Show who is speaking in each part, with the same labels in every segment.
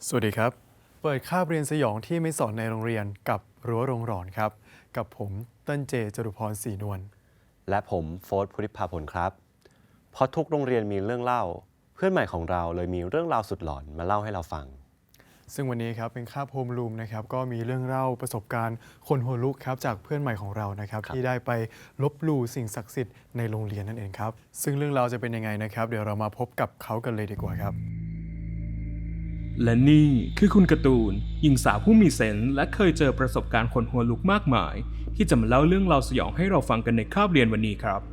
Speaker 1: สวัสดีครับเปิดคาบเรียนสยองที่ไม่สอนในโรงเรียนกับรั้วโรงหลอนครับกับผมเต้นเจจรุพรศรีนวล
Speaker 2: และผมโฟร์ธพุทธิภาผลครับเพราะทุกโรงเรียนมีเรื่องเล่าเพื่อนใหม่ของเราเลยมีเรื่องราวสุดหลอนมาเล่าให้เราฟัง
Speaker 1: ซึ่งวันนี้ครับเป็นคาบโฮมรูมนะครับก็มีเรื่องเล่าประสบการณ์คนหัวลุกครับจากเพื่อนใหม่ของเรานะครับที่ได้ไปลบหลู่สิ่งศักดิ์สิทธิ์ในโรงเรียนนั่นเองครับซึ่งเรื่องราวจะเป็นยังไงนะครับเดี๋ยวเรามาพบกับเขากันเลยดีกว่าครับ
Speaker 3: และนี่คือคุณการ์ตูนหญิงสาวผู้มีเซนส์และเคยเจอประสบการณ์ขนหัวลุกมากมาย ที่จะมาเล่าเรื่องราวสยองให้เราฟังกันในคาบเรียนวันนี้ครับ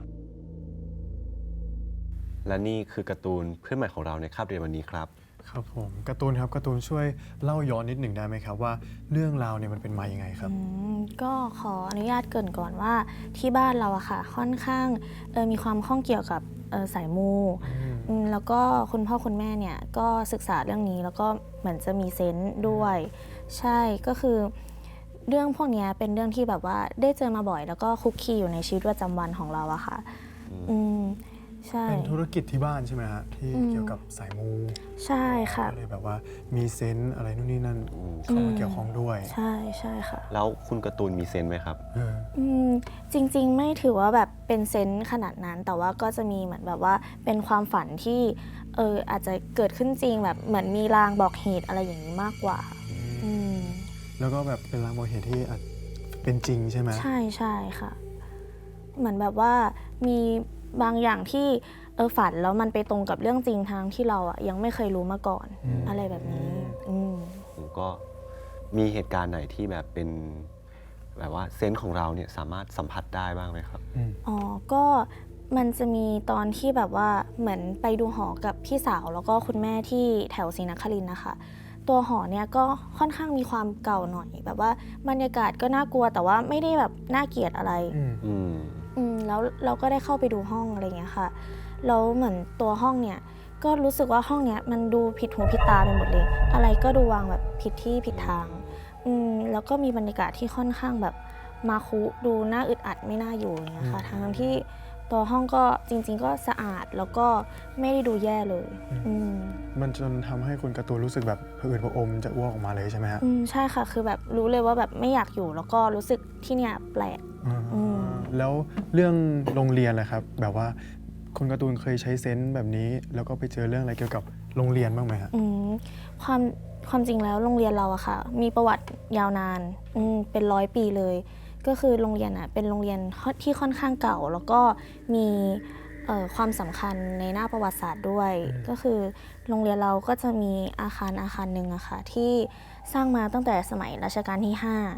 Speaker 2: และนี่คือการ์ตูนเพื่อนใหม่ของเราในคาบเรียนวันนี้ครับ
Speaker 1: ครับผมการ์ตูนครับการ์ตูนช่วยเล่าย้อนนิดหนึ่งได้ไหมครับว่าเรื่องราวเนี่ยมันเป็นมายังไงครับ
Speaker 4: ก็ขออนุญาตเกริ่นก่อนว่าที่บ้านเราอะค่ะค่อนข้างมีความข้องเกี่ยวกับสายมูแล้วก็คุณพ่อคุณแม่เนี่ยก็ศึกษาเรื่องนี้แล้วก็เหมือนจะมีเซนส์ด้วยใช่ก็คือเรื่องพวกนี้เป็นเรื่องที่แบบว่าได้เจอมาบ่อยแล้วก็คุกคีอยู่ในชีวิตประจำวันของเราอะค่ะใช่
Speaker 1: เป็นธุรกิจที่บ้านใช่ไหมฮะที่เกี่ยวกับสายมู
Speaker 4: ใช่ค่ะ
Speaker 1: ก็เลยแบบว่ามีเซนส์อะไรนู่นนี่นั่นเข้ามาเกี่ยวข้องด้วย
Speaker 4: ใช่ใช่ค่ะ
Speaker 2: แล้วคุณการ์ตูนมีเซนส์ไหมครับ
Speaker 4: จริงๆไม่ถือว่าแบบเป็นเซนส์ขนาดนั้นแต่ว่าก็จะมีเหมือนแบบว่าเป็นความฝันที่อาจจะเกิดขึ้นจริงแบบเหมือนมีลางบอกเหตุอะไรอย่างนี้มากกว่า
Speaker 1: แล้วก็แบบเป็นลางบอกเหตุที่อาจเป็นจริงใช่ไหม
Speaker 4: ใช่ใช่ค่ะเหมือนแบบว่ามีบางอย่างที่ฝันแล้วมันไปตรงกับเรื่องจริงทางที่เราอ่ะยังไม่เคยรู้มาก่อนอะไรแบบนี้
Speaker 2: ผมก็มีเหตุการณ์ไหนที่แบบเป็นแบบว่าเซนส์ของเราเนี่ยสามารถสัมผัสได้บ้างไหมครับ
Speaker 4: อ๋อก็มันจะมีตอนที่แบบว่าเหมือนไปดูหอกับพี่สาวแล้วก็คุณแม่ที่แถวศรีนครินทร์นะคะตัวหอเนี่ยก็ค่อนข้างมีความเก่าหน่อยแบบว่าบรรยากาศก็น่ากลัวแต่ว่าไม่ได้แบบน่าเกลียดอะไรแล้วเราก็ได้เข้าไปดูห้องอะไรเงี้ยค่ะแล้วเหมือนตัวห้องเนี่ยก็รู้สึกว่าห้องเนี้ยมันดูผิดหูผิดตาไปหมดเลยอะไรก็ดูวางแบบผิดที่ผิดทางแล้วก็มีบรรยากาศที่ค่อนข้างแบบมาคุดูน่าอึดอัดไม่น่าอยู่อย่างเงี้ยค่ะทั้งที่ตัวห้องก็จริงๆก็สะอาดแล้วก็ไม่ได้ดูแย่เลย
Speaker 1: มันจนทำให้คุณการ์ตูนรู้สึกแบบผะอืดผะอมจะอ้วกออกมาเลยใช่ไหมฮะ
Speaker 4: ใช่ค่ะคือแบบรู้เลยว่าแบบไม่อยากอยู่แล้วก็รู้สึกที่เนี่ยแปลก
Speaker 1: แล้วเรื่องโรงเรียนล่ะครับแบบว่าคุณการ์ตูนเคยใช้เซนส์แบบนี้แล้วก็ไปเจอเรื่องอะไรเกี่ยวกับโรงเรียนบ้างไหมฮะ
Speaker 4: ความจริงแล้วโรงเรียนเราอะค่ะมีประวัติยาวนานเป็น100 ปีเลยก็คือโรงเรียนอะเป็นโรงเรียนที่ค่อนข้างเก่าแล้วก็มีความสำคัญในหน้าประวัติศาสตร์ด้วยก็คือโรงเรียนเราก็จะมีอาคารหนึ่งอะค่ะที่สร้างมาตั้งแต่สมัยรัชกาลที่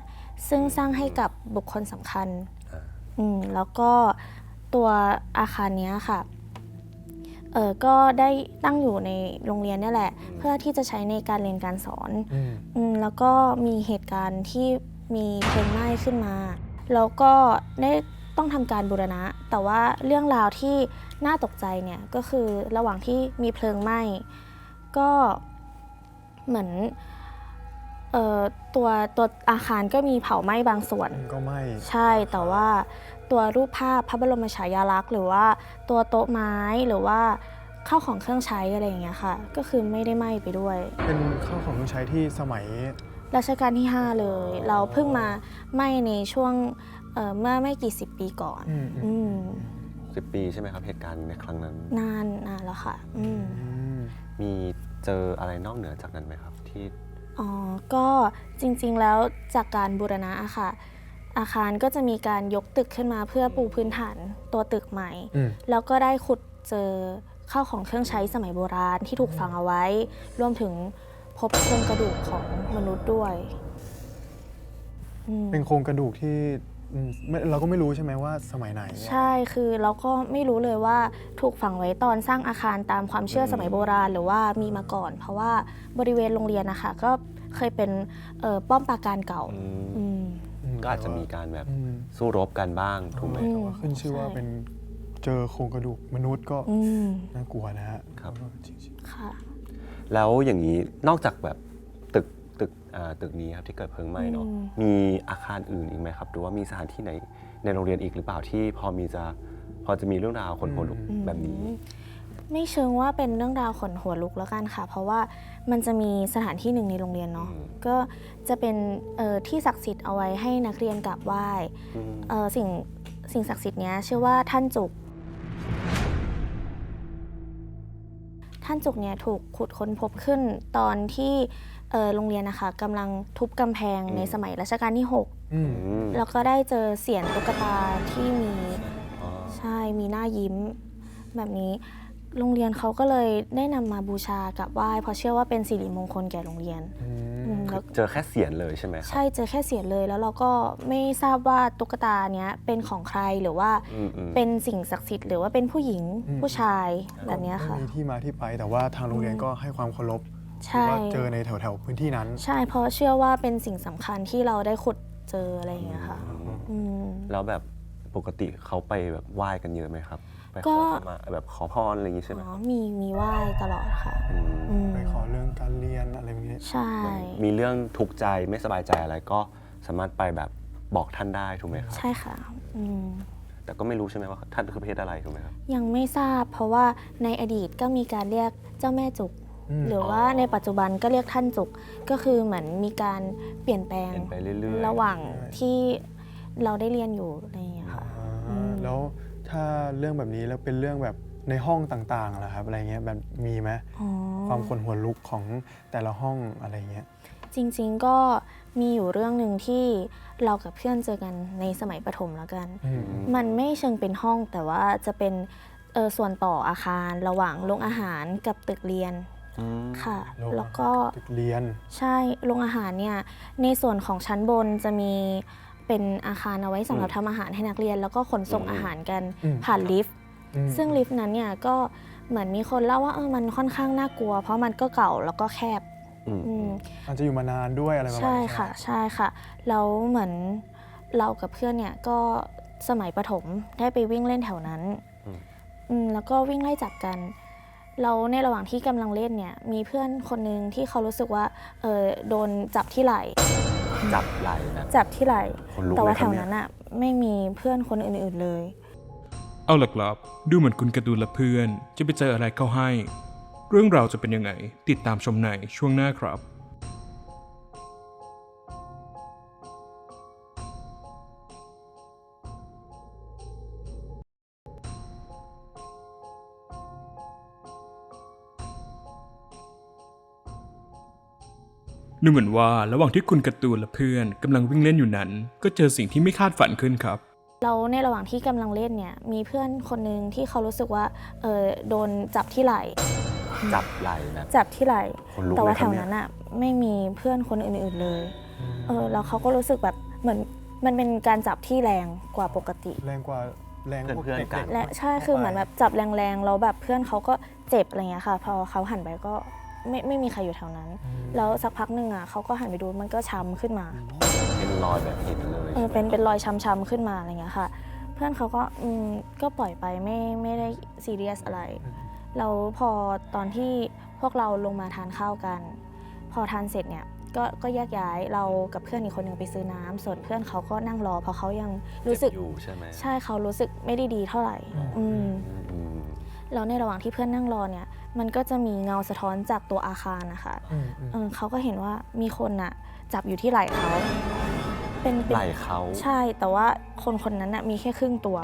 Speaker 4: 5ซึ่งสร้างให้กับบุคคลสำคัญแล้วก็ตัวอาคารนี้ค่ะก็ได้ตั้งอยู่ในโรงเรียนนี่แหละเพื่อที่จะใช้ในการเรียนการสอนแล้วก็มีเหตุการณ์ที่มีเพลิงไหม้ขึ้นมาแล้วก็ได้ต้องทำการบูรณะแต่ว่าเรื่องราวที่น่าตกใจเนี่ยก็คือระหว่างที่มีเพลิงไหม้ก็เหมือนตัวอาคารก็มีเผาไหม้บางส่วน
Speaker 1: ก็ไหม้
Speaker 4: ใช่แต่ว่าตัวรูปภาพพระบรมฉายาลักษณ์หรือว่าตัวโต๊ะไม้หรือว่าข้าวของเครื่องใช้อะไรอย่างเงี้ยค่ะก็คือไม่ได้ไหม้ไปด้วย
Speaker 1: เป็นข้าวของเครื่องใช้ที่สมัย
Speaker 4: รัชกาลที่5เลยเราเพิ่งมาไหม้ในช่วงเมื่อไม่กี่10 ปีก่อน
Speaker 2: 10 ปีใช่ไหมครับเหตุการณ์ในครั้งนั้น
Speaker 4: นานแล้วค่ะ
Speaker 2: มีเจออะไรนอกเหนือจากนั้นไหมครับที่
Speaker 4: ก็จริงๆแล้วจากการบูรณะอะค่ะอาคารก็จะมีการยกตึกขึ้นมาเพื่อปูพื้นฐานตัวตึกใหม่แล้วก็ได้ขุดเจอข้าวของเครื่องใช้สมัยโบราณที่ถูกฝังเอาไว้รวมถึงพบโครงกระดูกของมนุษย์ด้วย
Speaker 1: เป็นโครงกระดูกที่เราก็ไม่รู้ใช่ไหมว่าสมัยไหน
Speaker 4: ใช่คือเราก็ไม่รู้เลยว่าถูกฝังไว้ตอนสร้างอาคารตามความเชื่อสมัยโบราณหรือว่ามีมาก่อนเพราะว่าบริเวณโรงเรียนนะคะก็เคยเป็นป้อมปราการเก่า
Speaker 2: ก็อาจจะมีการแบบสู้รบกันบ้างถูกไหม
Speaker 1: ขึ้นชื่อว่าเป็นเจอโครงกระดูกมนุษย์ก็น่ากลัวนะฮะ
Speaker 2: ครับ
Speaker 4: ค่ะ
Speaker 2: แล้วอย่างนี้นอกจากแบบตึกนี้ครับที่เกิดเพลิงไหม้เนาะมีอาคารอื่นอีกไหมครับหรือว่ามีสถานที่ไหนในโรงเรียนอีกหรือเปล่าที่พอจะมีเรื่องราวคนหัวลุกแบบนี้
Speaker 4: ไม่เชิงว่าเป็นเรื่องราวขนหัวลุกแล้วกันค่ะ เพราะว่ามันจะมีสถานที่หนึ่งในโรงเรียนเนาะก็จะเป็นที่ศักดิ์สิทธิ์เอาไว้ให้นักเรียนกราบไหว้สิ่งศักดิ์สิทธิ์เนี้ยชื่อว่าท่านจุกเนี่ยถูกขุดค้นพบขึ้นตอนที่โรงเรียนนะคะกำลังทุบกำแพงในสมัยรัชกาลที่ 6 แล้วก็ได้เจอเสียนตุ๊กตาที่มีใช่มีหน้ายิ้มแบบนี้โรงเรียนเขาก็เลยได้นำมาบูชากราบไหว้เพราะเชื่อว่าเป็นสิริมงคลแก่โรงเรียนแล้ว
Speaker 2: เจอแค่เสียงเลยใช่ไหมครับ
Speaker 4: ใช่เจอแค่เสียนเลยแล้วเราก็ไม่ทราบว่าตุ๊กตาเนี้ยเป็นของใครหรือว่าเป็นสิ่งศักดิ์สิทธิ์หรือว่าเป็นผู้หญิงผู้ชายแบบเนี้ยค่ะ
Speaker 1: มีที่มาที่ไปแต่ว่าทางโรงเรียนก็ให้ความเคารพ
Speaker 4: ใช่
Speaker 1: ว่าเจอในแถวๆพื้นที่นั้น
Speaker 4: ใช่เพราะเชื่อว่าเป็นสิ่งสำคัญที่เราได้ขุดเจออะไรอย่างเงี้ยค่ะม
Speaker 2: แล้วแบบปกติเขาไปแบบไหว้กันเยอะไหมครับไปข
Speaker 4: ก็
Speaker 2: อขมาแบบขอพรอะไรอย่างงี้ใช่ไหม
Speaker 4: มีไหว้ตลอดค่ะม
Speaker 1: ไปขอเรื่องการเรียนอะไรแบบนี้
Speaker 4: ใช่
Speaker 2: มีเรื่องทุกข์ใจไม่สบายใจอะไรก็สามารถไปแบบบอกท่านได้ถูกไหมครับ
Speaker 4: ใช่ค่ะม
Speaker 2: แต่ก็ไม่รู้ใช่ไหมว่าท่านคือประเภทอะไรถูกไหมครับ
Speaker 4: ยังไม่ทราบเพราะว่าในอดีตก็มีการเรียกเจ้าแม่จุก หรือว่าในปัจจุบันก็เรียกท่านจุกก็คือเหมือนมีการเปลี่ยนแปลง
Speaker 2: เปลี่ยนไปเรื่อยๆ
Speaker 4: ระหว่างที่เราได้เรียนอยู่อะไรอย่างเงี้ยค่ะ
Speaker 1: แล้วถ้าเรื่องแบบนี้แล้วเป็นเรื่องแบบในห้องต่างๆล่ะครับอะไรเงี้ยแบบมีไหม
Speaker 4: อ๋อ
Speaker 1: ความขนหัวลุกของแต่ละห้องอะไรเงี้ย
Speaker 4: จริงๆก็มีอยู่เรื่องหนึ่งที่เรากับเพื่อนเจอกันในสมัยประถมแล้วกัน มันไม่เชิงเป็นห้องแต่ว่าจะเป็นส่วนต่ออาคารระหว่างโรงอาหารกับตึกเรียนค่ะ แล้วก็
Speaker 1: ตึกเรียน
Speaker 4: ใช่โรงอาหารเนี่ยในส่วนของชั้นบนจะมีเป็นอาคารเอาไว้สำหรับทำอาหารให้นักเรียน แล้วก็ขนส่งอาหารกันผ่านลิฟต์ซึ่งลิฟต์นั้นเนี่ยก็เหมือนมีคนเล่าว่ามันค่อนข้างน่ากลัว เพราะมันก็เก่าแล้วก็แคบ
Speaker 1: อาจจะอยู่มานานด้วยอะไรประมาณ
Speaker 4: ใช่
Speaker 1: นี้
Speaker 4: ค่ะใช่ค่ะแล้วเหมือนเรากับเพื่อนเนี่ยก็สมัยประถมได้ไปวิ่งเล่นแถวนั้นแล้วก็วิ่งไล่จับกันเราในระหว่างที่กำลังเล่นเนี่ยมีเพื่อนคนหนึ่งที่เขารู้สึกว่าโดนจับที่ไหล่
Speaker 2: จับไหล่นะ
Speaker 4: จับที่ไหล่
Speaker 2: คนลุก
Speaker 4: แต่ว่า
Speaker 2: เลยค
Speaker 4: แถ
Speaker 2: รับ
Speaker 4: ว
Speaker 2: เนี่ย
Speaker 4: นั้นอ่ะไม่มีเพื่อนคนอื่นๆเลย
Speaker 3: เอาล่ะครับดูเหมือนคุณการ์ตูนและเพื่อนจะไปเจออะไรเข้าให้ เรื่องราวจะเป็นยังไง ติดตามชมในช่วงหน้าครับ ดูเหมือนว่าระหว่างที่คุณการ์ตูนและเพื่อนกำลังวิ่งเล่นอยู่นั้น ก็เจอสิ่งที่ไม่คาดฝันขึ้นครับ
Speaker 4: เราในระหว่างที่กำลังเล่นเนี่ยมีเพื่อนคนหนึ่งที่เขารู้สึกว่าโดนจับที่ไหล่
Speaker 2: จับไหล่นะ
Speaker 4: จับที่ไหล่
Speaker 2: คนลุก
Speaker 4: แต่ว่า
Speaker 2: เลยค
Speaker 4: แถ
Speaker 2: รับ
Speaker 4: ว
Speaker 2: เนี่ย
Speaker 4: นั้นอ่ะไม่มีเพื่อนคนอื่นๆเลยแล้วเขาก็รู้สึกแบบเหมือนมันเป็นการจับที่แรงกว่าปกติ
Speaker 1: แรงกว่าแรงพวก
Speaker 2: เพื่อนๆ
Speaker 1: เด็
Speaker 2: กั
Speaker 1: ก
Speaker 2: น
Speaker 1: ๆ
Speaker 4: และใช่คือเหมือนแบบจับแรงๆแล้วแบบเพื่อนเขาก็เจ็บอะไรเงี้ยค่ะพอเขาหันไปก็ไม่มีใครอยู่แถวนั้น แล้วสักพักหนึ่งอ่ะเขาก็หันไปดูมันก็ช้ำขึ้นมา
Speaker 2: เป็นรอยแบบเห็นเลย
Speaker 4: เป็นรอยช้ำๆขึ้นมาอะไรเงี้ยค่ะ เพื่อนเขาก็ปล่อยไปไม่ได้ซีเรียสอะไรแล้วพอตอนที่พวกเราลงมาทานข้าวกัน พอทานเสร็จเนี่ยก็แยกย้ายเรากับเพื่อนอีกคนหนึ่งไปซื้อน้ำส่วนเพื่อนเขาก็นั่งรอเพราะเขายังรู้สึก
Speaker 2: เจ็บอยู่ใช่ไหม
Speaker 4: ใช่เขารู้สึกไม่ได้ดีเท่าไหร่
Speaker 2: อืม
Speaker 4: แล้วในระหว่างที่เพื่อนนั่งรอเนี่ยมันก็จะมีเงาสะท้อนจากตัวอาคารนะคะเขาก็เห็นว่ามีคนน่ะจับอยู่ที่ไหล่เขาเป็น
Speaker 2: ไหล่เขา
Speaker 4: ใช่แต่ว่าคนนั้นน่ะมีแค่ครึ่งตัว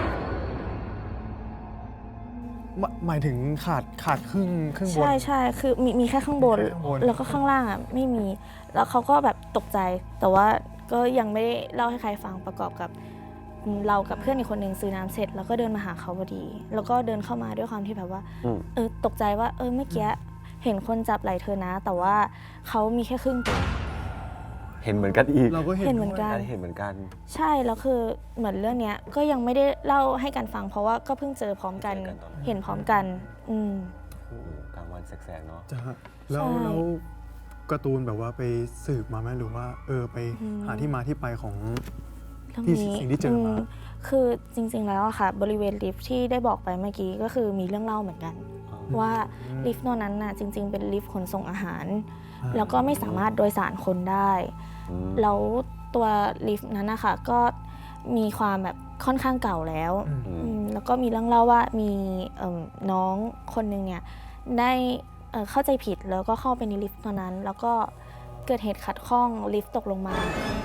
Speaker 1: หมายถึงขาดครึ่งบน
Speaker 4: ใช่คือมีแค่ข้างบน
Speaker 1: มีแค่ข้างบน
Speaker 4: แล้วก็ข้างล่างอ่ะไม่มี แล้วเขาก็แบบตกใจ แต่ว่าก็ยังไม่ได้เล่าให้ใครฟังประกอบกับเรากับเพื่อนอีกคนหนึ่งซื้อน้ำเสร็จแล้วก็เดินมาหาเขาพอดี แล้วก็เดินเข้ามาด้วยความที่แบบว่าตกใจว่าเมื่อกี้เห็นคนจับไหล่เธอนะ แต่ว่าเขามีแค่ครึ่งตัว
Speaker 2: เห็นเหมือนกันอีก
Speaker 1: เราก็
Speaker 4: เห็นเหมือนกัน
Speaker 2: เห็นเหมือนกัน
Speaker 4: ใช่แล้วคือเหมือนเรื่องเนี้ยก็ยังไม่ได้เล่าให้กันฟัง เพราะว่าก็เพิ่งเจอพร้อมกัน
Speaker 2: เจอกันตอนนั้น
Speaker 4: เห็นพร้อมกัน
Speaker 2: โอ้โหกลางวันแสกๆเนาะ
Speaker 1: จะแล้วการ์ตูนแบบว่าไปสืบมาไหมหรือว่าไปหาที่มาที่ไปของ
Speaker 4: เรื่อง
Speaker 1: ที่
Speaker 4: นี้
Speaker 1: สิ่งที่เจอมา
Speaker 4: คือจริงๆแล้วอะค่ะบริเวณลิฟท์ที่ได้บอกไปเมื่อกี้ก็คือมีเรื่องเล่าเหมือนกัน ว่าลิฟต์ตัวนั้นน่ะจริง ๆ เป็นลิฟต์ขนส่งอาหาร แล้วก็ไม่สามารถโดยสารคนได้ แล้วตัวลิฟต์นั้นนะคะก็มีความแบบค่อนข้างเก่าแล้ว
Speaker 1: อืม
Speaker 4: แล้วก็มีเรื่องเล่าว่ามีน้องคนหนึ่งเนี่ยได้เข้าใจผิดแล้วก็เข้าไปในลิฟต์ตัวนั้น แล้วก็เกิดเหตุขัดข้องลิฟต์ตกลงมา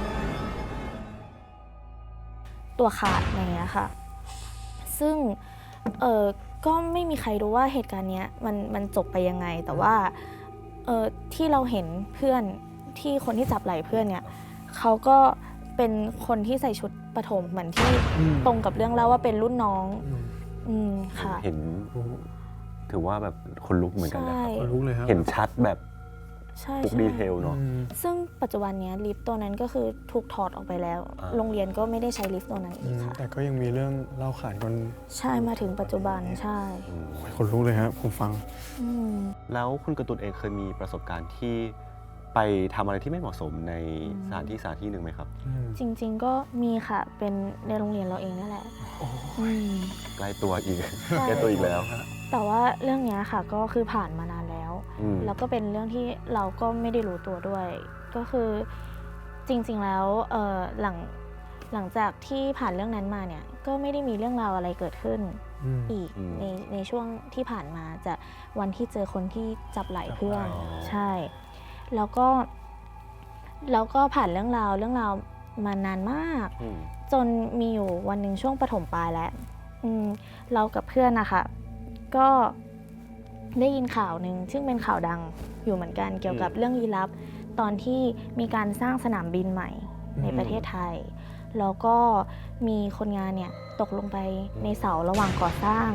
Speaker 4: ตัวขาดอะไรอย่างเงี้ยค่ะ ซึ่งก็ไม่มีใครรู้ว่าเหตุการณ์เนี้ยมันจบไปยังไง แต่ว่าที่เราเห็นเพื่อนที่คนที่จับไหล่เพื่อนเนี่ยเขาก็เป็นคนที่ใส่ชุดปฐมเหมือนที่ตรงกับเรื่องเล่าว่าเป็นรุ่นน้องค่ะ
Speaker 2: เห็นถือว่าแบบคนลุกเหมือนกันนะ
Speaker 4: ใช่
Speaker 1: คนลุกเลยครับ
Speaker 2: เห็นชัดแบบ
Speaker 4: ใช่
Speaker 2: ทุกดีเทลเนาะ
Speaker 4: ซึ่งปัจจุบันเนี้ยลิฟต์ตัวนั้นก็คือถูกถอดออกไปแล้ว โรงเรียนก็ไม่ได้ใช้ลิฟต์ตัวนั้นอีกค่ะ
Speaker 1: แต่ก็ยังมีเรื่องเล่าขานกัน
Speaker 4: ใช่มาถึงปัจจุบันใช่
Speaker 1: คนลุกเลยครับผมฟัง
Speaker 4: อืม
Speaker 2: แล้วคุณการ์ตูนเองเคยมีประสบการณ์ที่ไปทำอะไรที่ไม่เหมาะสมในสถานที่หนึ่งไหมครับ
Speaker 4: จริงๆก็มีค่ะเป็นในโรงเรียนเราเองนั่นแหละอืม
Speaker 2: ใกล้ตัวอีก
Speaker 4: ใช่
Speaker 2: ใกล้ตัวอีกแล้ว
Speaker 4: แต่ว่าเรื่องเนี้ยค่ะก็คือผ่านมานานแล้ว
Speaker 2: อืม
Speaker 4: แล้วก็เป็นเรื่องที่เราก็ไม่ได้รู้ตัวด้วย ก็คือจริงๆแล้วหลังจากที่ผ่านเรื่องนั้นมาเนี่ยก็ไม่ได้มีเรื่องราวอะไรเกิดขึ้นอีกในช่วงที่ผ่านมาจากวันที่เจอคนที่จับไหล่เพื่อนใช่ แล้วก็ผ่านเรื่องราวมานานมาก จนมีอยู่วันหนึ่งช่วงประถมปลายแล้วเรากับเพื่อนนะคะก็ได้ยินข่าวหนึ่งซึ่งเป็นข่าวดังอยู่เหมือนกันเกี่ยวกับเรื่องลี้ลับ ตอนที่มีการสร้างสนามบินใหม่ในประเทศไทย แล้วก็มีคนงานเนี่ยตกลงไปในเสาระหว่างก่อสร้าง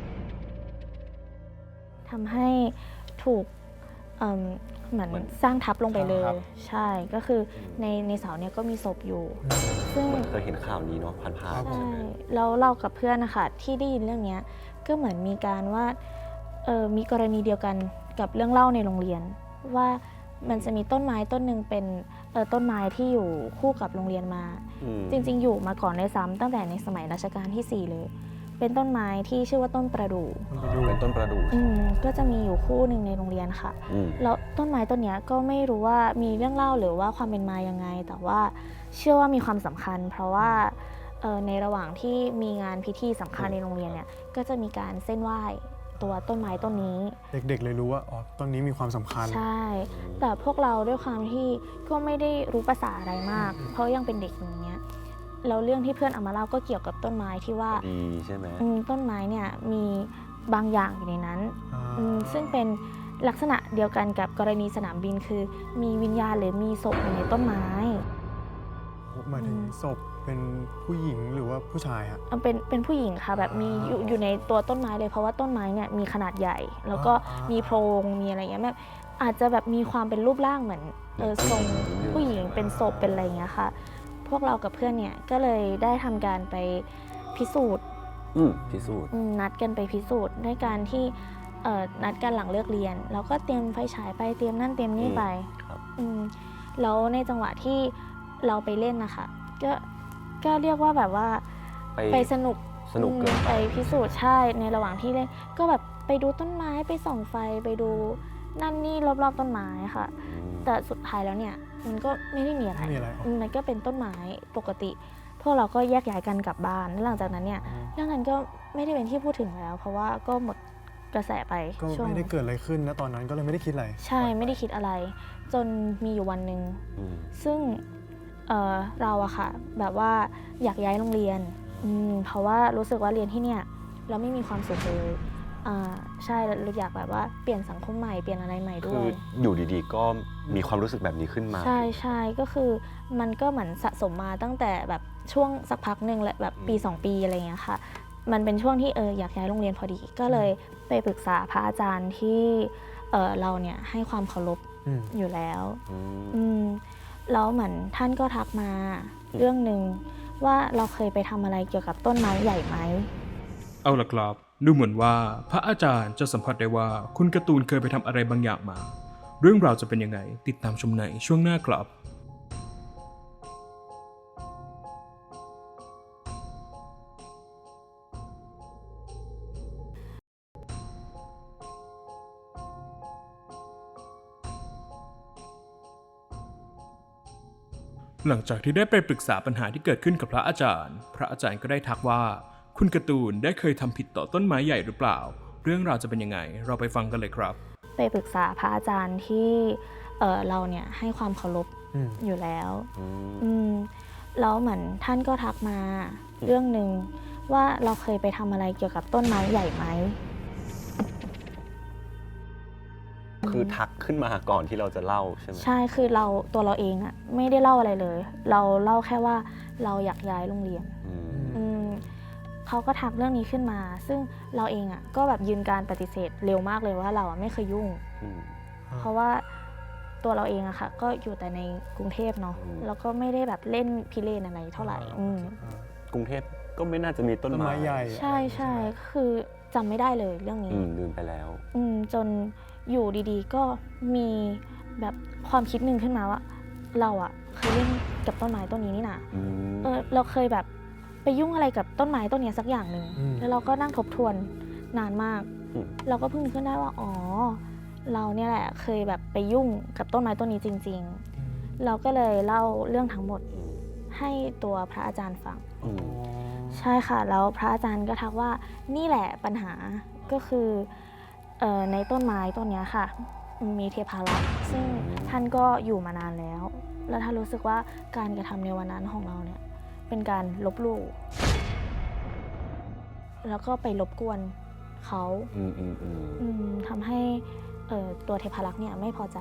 Speaker 4: ทำให้ถูกเหมือนสร้างทับลงไปเลย ใช่ก็คือในเสาเนี่ยก็มีศพอยู่ ซึ่ง
Speaker 2: เหมือนเคยเห็นข่าวนี้เนาะผ่าน
Speaker 4: ใช่
Speaker 2: ๆใช่ไหม
Speaker 4: แล้วเรากับเพื่อนนะคะที่ได้ยินเรื่องเนี้ยก็เหมือนมีการว่ามีกรณีเดียวกันกับเรื่องเล่าในโรงเรียน ว่ามันจะมีต้นไม้ต้นหนึ่งเป็นต้นไม้ที่อยู่คู่กับโรงเรียนมา จริงๆอยู่มาก่อนด้วยซ้ำตั้งแต่ในสมัยรัชกาลที่ 4 เลย เป็นต้นไม้ที่ชื่อว่าต้นประดู่
Speaker 2: เป็นต้นประดู่
Speaker 4: ก็จะมีอยู่คู่หนึ่งในโรงเรียนค่ะ
Speaker 2: อืม
Speaker 4: แล้วต้นไม้ต้นเนี้ยก็ไม่รู้ว่ามีเรื่องเล่าหรือว่าความเป็นมายังไง แต่ว่าเชื่อว่ามีความสำคัญ เพราะว่าในระหว่างที่มีงานพิธีสำคัญในโรงเรียนเนี่ยก็จะมีการเส้นไหว้ตัวต้นไม้ต้นนี้
Speaker 1: เด็กๆเลยรู้ว่าอ๋อต้นนี้มีความสำคัญ
Speaker 4: ใช่ แต่พวกเราด้วยความที่ก็ไม่ได้รู้ภาษาอะไรมาก เพราะยังเป็นเด็กอย่างเงี้ยแล้วเรื่องที่เพื่อนเอามาเล่าก็เกี่ยวกับต้นไม้ที่ว่า
Speaker 2: ดีใช่ไหม
Speaker 4: ต้นไม้เนี่ยมีบางอย่างอยู่ในนั้น ซึ่งเป็นลักษณะเดียวกันกับกรณีสนามบินคือมีวิญญาณหรือมีศพอยู่ในต้นไม้
Speaker 1: หมายถึงศพเป็นผู้หญิงหรือว่าผู้ชายฮะ
Speaker 4: เป็นผู้หญิงค่ะแบบมีอยู่ในตัวต้นไม้เลยเพราะว่าต้นไม้เนี่ยมีขนาดใหญ่ แล้วก็มีโพรงมีอะไรเงี้ยแบบอาจจะแบบมีความเป็นรูปร่างเหมือนทรงผู้หญิงเป็นศพเป็นอะไรเงี้ยค่ะ พวกเรากับเพื่อนเนี่ยก็เลยได้ทำการไปพิสูจน์
Speaker 2: พิสูจน์
Speaker 4: นัดกันไปพิสูจน์ด้วยการที่นัดกันหลังเลิกเรียน แล้วก็เตรียมไฟฉายไปเตรียมนั่นเตรียมนี่ไป
Speaker 2: ครับ
Speaker 4: แล้วในจังหวะที่เราไปเล่นนะคะก็เรียกว่าแบบว่าไปสนุก
Speaker 2: เกินไป
Speaker 4: ไปพิสูจน์ใช่ในระหว่างที่เล่นก็แบบไปดูต้นไม้ไปส่องไฟไปดูนั่นนี่รอบๆต้นไม้ค่ะ แต่สุดท้ายแล้วเนี่ยมันก็ไม่ได้มีอะไร
Speaker 1: ไม่มีอะไร
Speaker 4: มันก็เป็นต้นไม้ปกติ พวกเราก็แยกย้ายกันกลับบ้านแล้วหลังจากนั้นเนี่ยเรื่องนั้นก็ไม่ได้เป็นที่พูดถึงแล้ว เพราะว่าก็หมดกระแสไป
Speaker 1: ก็
Speaker 4: ช่วง
Speaker 1: ไม่ได้เกิดอะไรขึ้นนะตอนนั้นก็เลยไม่ได้คิดอะไร
Speaker 4: ใช่ไม่ได้คิดอะไร จนมีอยู่วันหนึ่งซึ่งเราอะค่ะแบบว่าอยากย้ายโรงเรียนเพราะว่ารู้สึกว่าเรียนที่เนี่ยเราไม่มีความสุขเลยใช่เราอยากแบบว่าเปลี่ยนสังคมใหม่เปลี่ยนอะไรใหม่ด้
Speaker 2: คื
Speaker 4: ว
Speaker 2: อย อยู่ดีๆ ก็มีความรู้สึกแบบนี้ขึ้นมา
Speaker 4: ใช่ก็คือมันก็เหมือนสะสมมาตั้งแต่แบบช่วงสักพักหนึ่งแหละแบบปี 2 ปีอะไรอย่างเงี้ยค่ะมันเป็นช่วงที่อยากย้ายโรงเรียนพอดีก็เลยไปปรึกษาพระอาจารย์ที่เราเนี่ยให้ความเคารพอยู่แล้วแล้วเหมือนท่านก็ทักมาเรื่องหนึ่งว่าเราเคยไปทำอะไรเกี่ยวกับต้นไม้ใหญ่ไหม
Speaker 3: เอาล่ะครับดูเหมือนว่าพระอาจารย์จะสัมผัสได้ว่าคุณการ์ตูนเคยไปทำอะไรบางอย่างมา เรื่องราวจะเป็นยังไงติดตามชมในช่วงหน้าครับหลังจากที่ได้ไปปรึกษาปัญหาที่เกิดขึ้นกับพระอาจารย์ก็ได้ทักว่าคุณการ์ตูนได้เคยทำผิดต่อต้นไม้ใหญ่หรือเปล่า เรื่องราวจะเป็นยังไงเราไปฟังกันเลยครับ
Speaker 4: ไปปรึกษาพระอาจารย์ที่เราเนี่ยให้ความเคารพอยู่แล้วแล้วเหมือนท่านก็ทักมาเรื่องหนึ่งว่าเราเคยไปทำอะไรเกี่ยวกับต้นไม้ใหญ่ไหม
Speaker 2: คือทักขึ้นมาก่อนที่เราจะเล่าใช่ไหม
Speaker 4: ใช่คือตัวเราเองอะไม่ได้เล่าอะไรเลย เราเล่าแค่ว่าเราอยากย้ายโรงเรียนเขาก็ทักเรื่องนี้ขึ้นมา ซึ่งเราเองอะก็แบบยืนการปฏิเสธเร็วมากเลยว่าเราอะไม่เคยยุ่ง เพราะว่าตัวเราเองอะค่ะก็อยู่แต่ในกรุงเทพเนาะแล้วก็ไม่ได้แบบเล่นพิเรนอะไรเท่าไหร่
Speaker 2: กรุงเทพก็ไม่น่าจะมีต้นไม้
Speaker 1: ใหญ่
Speaker 4: ใช่คือจำไม่ได้เลยเรื่องนี้
Speaker 2: ลืมไปแล้ว
Speaker 4: จนอยู่ดีๆก็มีแบบความคิดหนึ่งขึ้นมาว่าเราอะเคยเล่นกับต้นไม้ต้นนี้นี่นะเราเคยแบบไปยุ่งอะไรกับต้นไม้ต้นนี้สักอย่างหนึ่งแล้วเราก็นั่งทบทวนนานมากเราก็เพิ่งนึกขึ้นได้ว่าอ๋อเราเนี่ยแหละเคยแบบไปยุ่งกับต้นไม้ต้นนี้จริงๆเราก็เลยเล่าเรื่องทั้งหมดให้ตัวพระอาจารย์ฟังใช่ค่ะแล้วพระอาจารย์ก็ทักว่านี่แหละปัญหาก็คือในต้นไม้ต้นนี้ค่ะมีเทพารักษ์ซึ่งท่านก็อยู่มานานแล้วท่านรู้สึกว่าการกระทำในวันนั้นของเราเนี่ยเป็นการลบหลู่แล้วก็ไปรบกวนเขาทำให้ตัวเทพารักษ์เนี่ยไม่พอใจ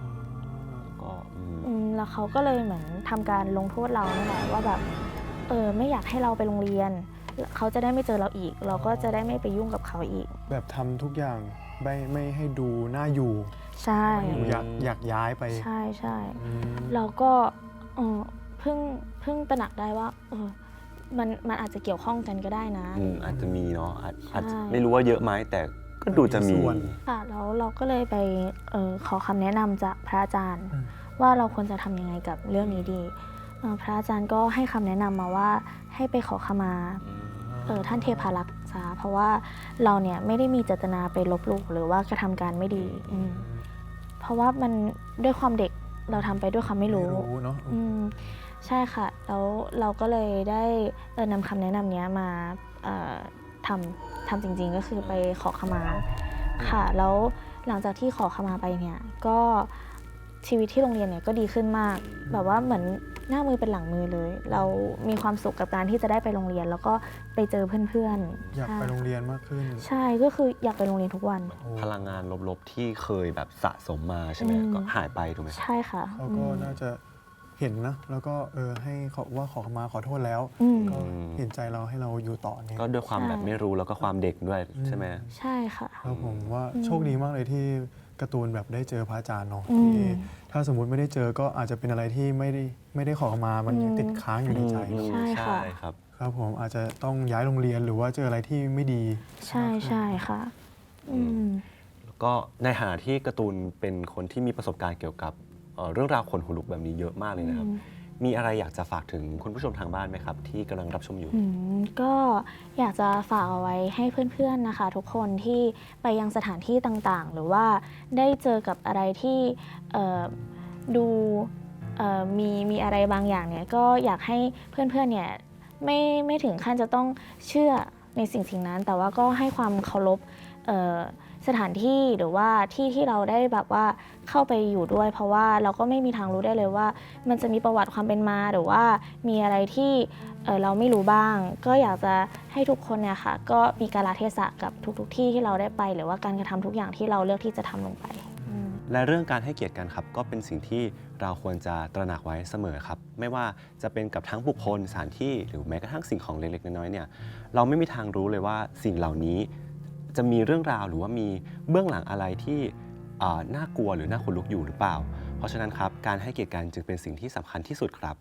Speaker 4: แล้วเขาก็เลยเหมือนทำการลงโทษเรานั่นแหละว่าแบบไม่อยากให้เราไปโรงเรียนเขาจะได้ไม่เจอเราอีกเราก็จะได้ไม่ไปยุ่งกับเขาอีก
Speaker 1: แบบทำทุกอย่างไม่ให้ดูน่าอยู่
Speaker 4: ใช่
Speaker 1: อยากย้ายไป
Speaker 4: ใช่เราก็เพิ่งตระหนักได้ว่ามันอาจจะเกี่ยวข้องกันก็ได้นะ
Speaker 2: อาจจะมีเนาะอาจไม่รู้ว่าเยอะไหมแต่ก็ดูจะมี
Speaker 4: ค่ะแล้วเราก็เลยไปขอคำแนะนำจากพระอาจารย์ว่าเราควรจะทำยังไงกับเรื่องนี้ดีพระอาจารย์ก็ให้คำแนะนำมาว่าให้ไปขอขมาท่านเทพารักษ์ซะเพราะว่าเราเนี่ยไม่ได้มีเจตนาไปลบหลู่หรือว่ากระทำการไม่ดีเพราะว่ามันด้วยความเด็กเราทำไปด้วยความไม่รู้
Speaker 1: เนาะ
Speaker 4: ใช่ค่ะแล้วเราก็เลยได้นำคำแนะนำนี้มาทำจริงๆก็คือไปขอขมาค่ะแล้วหลังจากที่ขอขมาไปเนี่ยก็ชีวิตที่โรงเรียนเนี่ยก็ดีขึ้นมากแบบว่าเหมือนหน้ามือเป็นหลังมือเลยเรามีความสุขกับการที่จะได้ไปโรงเรียนแล้วก็ไปเจอเพื่อน
Speaker 1: ๆอยากไปโรงเรียนมากขึ้น
Speaker 4: ใช่ก็คืออยากไปโรงเรียนทุกวัน
Speaker 2: พลังงานลบๆที่เคยแบบสะสมมาใช่ไหมก็หายไปถูกไหม
Speaker 4: ใช่ค่ะ
Speaker 1: เขาก็น่าจะเห็นนะแล้วก็ให้เขาว่าขอมาขอโทษแล้วก็เห็นใจเราให้เราอยู่ต่อเนี่ย
Speaker 2: ก็ด้วยความแบบไม่รู้แล้วก็ความเด็กด้วยใช่ไหม
Speaker 4: ใช่ค่ะ
Speaker 1: แล้วผมว่าโชคดีมากเลยที่การ์ตูนแบบได้เจอพระอาจารย์เนาะที่ถ้าสมมุติไม่ได้เจอก็อาจจะเป็นอะไรที่ไม่ได้ขอมามันยังติดค้างอยู่ในใจ
Speaker 4: ใช่ค่ะ
Speaker 1: ครับผมอาจจะต้องย้ายโรงเรียนหรือว่าเจออะไรที่ไม่ดี
Speaker 4: ใช่ค่ะ
Speaker 2: แล้วก็ในฐานะที่การ์ตูนเป็นคนที่มีประสบการณ์เกี่ยวกับเรื่องราวขนหัวลุกแบบนี้เยอะมากเลยนะครับมีอะไรอยากจะฝากถึงคุณผู้ชมทางบ้านไหมครับที่กำลังรับชมอยู่
Speaker 4: ก็อยากจะฝากเอาไว้ให้เพื่อนๆนะคะทุกคนที่ไปยังสถานที่ต่างๆหรือว่าได้เจอกับอะไรที่ดูมีอะไรบางอย่างเนี่ยก็อยากให้เพื่อนๆเนี่ยไม่ถึงขั้นจะต้องเชื่อในสิ่งนั้นแต่ว่าก็ให้ความเคารพสถานที่หรือว่าที่เราได้แบบว่าเข้าไปอยู่ด้วยเพราะว่าเราก็ไม่มีทางรู้ได้เลยว่ามันจะมีประวัติความเป็นมาหรือว่ามีอะไรที่เราไม่รู้บ้างก็อยากจะให้ทุกคนเนี่ยค่ะก็มีกาลเทศะกับทุกที่ที่เราได้ไปหรือว่าการกระทำทุกอย่างที่เราเลือกที่จะทำลงไป
Speaker 2: และเรื่องการให้เกียรติกันครับก็เป็นสิ่งที่เราควรจะตระหนักไว้เสมอครับไม่ว่าจะเป็นกับทั้งบุคคลสถานที่หรือแม้กระทั่งสิ่งของเล็กๆน้อยๆเนี่ยเราไม่มีทางรู้เลยว่าสิ่งเหล่านี้จะมีเรื่องราวหรือว่ามีเบื้องหลังอะไรที่น่ากลัวหรือน่าขนลุกอยู่หรือเปล่าเพราะฉะนั้นครับการให้เกียรติกันจึงเป็นสิ่งที่สำคัญที่สุดครับ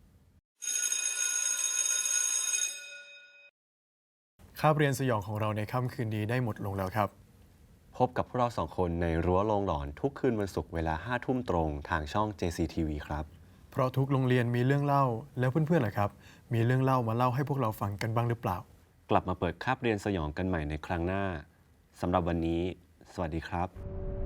Speaker 1: คาบเรียนสยองของเราในค่ำคืนนี้ได้หมดลงแล้วครับ
Speaker 2: พบกับพวกเรา2คนในรั้วโรงหลอนทุกคืนวันศุกร์เวลา 5 ทุ่มตรงทางช่อง JCTV ครับ
Speaker 1: เพราะทุกโรงเรียนมีเรื่องเล่าแล้วเพื่อนๆล่ะครับมีเรื่องเล่ามาเล่าให้พวกเราฟังกันบ้างหรือเปล่าก
Speaker 2: ลับมาเปิดคาบเรียนสยองกันใหม่ในครั้งหน้าสำหรับวันนี้สวัสดีครับ